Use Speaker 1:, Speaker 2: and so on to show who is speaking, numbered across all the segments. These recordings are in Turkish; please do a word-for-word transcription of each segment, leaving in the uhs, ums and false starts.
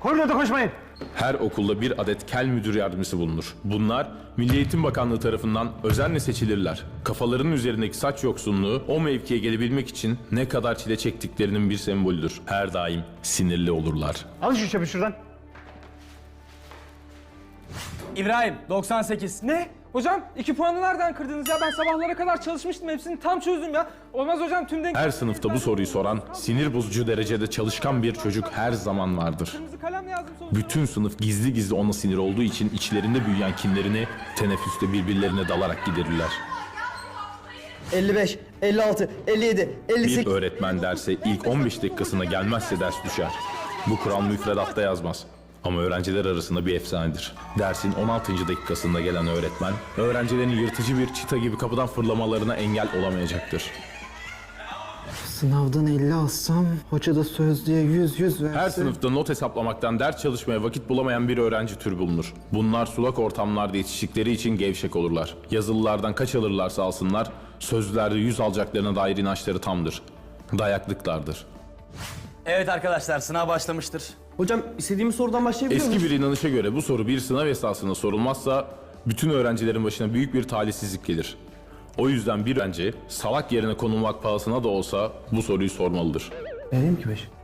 Speaker 1: Koridorda koşmayın.
Speaker 2: Her okulda bir adet kel müdür yardımcısı bulunur. Bunlar Milli Eğitim Bakanlığı tarafından özenle seçilirler. Kafalarının üzerindeki saç yoksunluğu o mevkiye gelebilmek için ne kadar çile çektiklerinin bir sembolüdür. Her daim sinirli olurlar.
Speaker 1: Al şu çöpü şuradan.
Speaker 3: İbrahim doksan sekiz.
Speaker 4: Ne? Hocam iki puanı nereden kırdınız ya? Ben sabahlara kadar çalışmıştım, hepsini tam çözdüm ya. Olmaz hocam, tüm denk...
Speaker 2: Her sınıfta bu soruyu soran, sinir bozucu derecede çalışkan bir çocuk her zaman vardır.
Speaker 4: Kırmızı kalemle yazdım sonuçta.
Speaker 2: Bütün sınıf gizli gizli ona sinir olduğu için içlerinde büyüyen kinlerini teneffüste birbirlerine dalarak giderirler.
Speaker 5: elli beş, elli altı, elli yedi, elli
Speaker 2: Bir
Speaker 5: sekiz.
Speaker 2: öğretmen derse ilk on beş dakikasına gelmezse ders düşer. Bu kural müfredatta yazmaz. Ama öğrenciler arasında bir efsanedir. Dersin on altıncı dakikasında gelen öğretmen, öğrencilerin yırtıcı bir çita gibi kapıdan fırlamalarına engel olamayacaktır.
Speaker 5: Sınavdan elli alsam, hoca da sözlüğe yüz yüz verse...
Speaker 2: Her sınıfta not hesaplamaktan ders çalışmaya vakit bulamayan bir öğrenci türü bulunur. Bunlar sulak ortamlarda yetiştikleri için gevşek olurlar. Yazılılardan kaç alırlarsa alsınlar, sözlülerde yüz alacaklarına dair inançları tamdır. Dayaklıklardır.
Speaker 3: Evet arkadaşlar, sınav başlamıştır.
Speaker 5: Hocam istediğimiz sorudan başlayabiliyor muyuz?
Speaker 2: Eski bir inanışa göre bu soru bir sınav esasında sorulmazsa bütün öğrencilerin başına büyük bir talihsizlik gelir. O yüzden bir öğrenci salak yerine konulmak pahasına da olsa bu soruyu sormalıdır.
Speaker 5: Vereyim ki beş.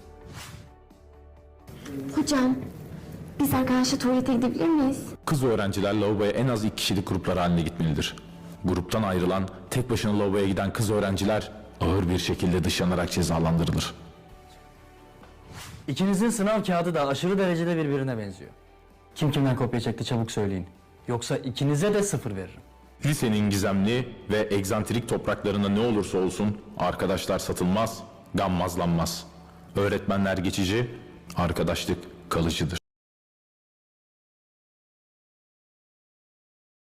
Speaker 6: Hocam, biz arkadaşla tuvalete gidebilir miyiz?
Speaker 2: Kız öğrenciler lavaboya en az iki kişilik gruplar haline gitmelidir. Gruptan ayrılan, tek başına lavaboya giden kız öğrenciler ağır bir şekilde dışlanarak cezalandırılır.
Speaker 7: İkinizin sınav kağıdı da aşırı derecede birbirine benziyor. Kim kimden kopya çekti çabuk söyleyin. Yoksa ikinize de sıfır veririm.
Speaker 2: Lisenin gizemli ve egzantrik topraklarında ne olursa olsun arkadaşlar satılmaz, gammazlanmaz. Öğretmenler geçici, arkadaşlık kalıcıdır.